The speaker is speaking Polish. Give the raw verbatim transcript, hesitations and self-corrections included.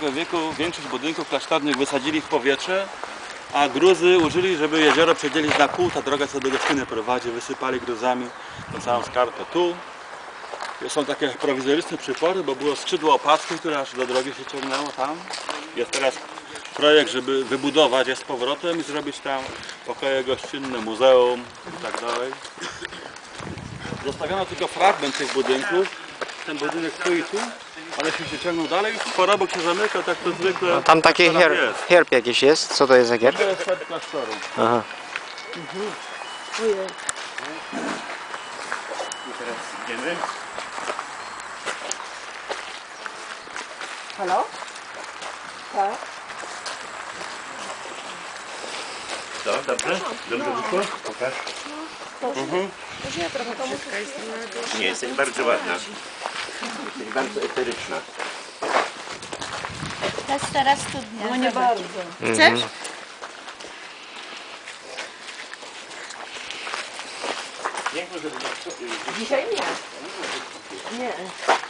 piętnastego wieku większość budynków klasztornych wysadzili w powietrze, a gruzy użyli, żeby jezioro przedzielić na pół. Ta droga co do Gostyny prowadzi, wysypali gruzami tą całą skarpę tu. Są takie prowizoryczne przypory, bo było skrzydło opackie, które aż do drogi się ciągnęło tam. Jest teraz projekt, żeby wybudować je z powrotem i zrobić tam pokoje gościnne, muzeum i tak dalej. Zostawiono tylko fragment tych budynków. Ten budynek tu i tu, ale się ciągną dalej. Porobok się zamyka, tak to zwykle. No, tam taki herb, herb jakiś jest. Co to jest za herb? To jest herb klasztoru. Aha. Mhm. I teraz idziemy. Halo? Tak. No, dobrze? Dobrze wyszło? Pokaż. Mhm. Nie, jesteś bardzo ładna. Jesteś bardzo eteryczna. To jest teraz studnia. No nie bardzo. Chcesz? Nie, może Dzisiaj nie. Nie.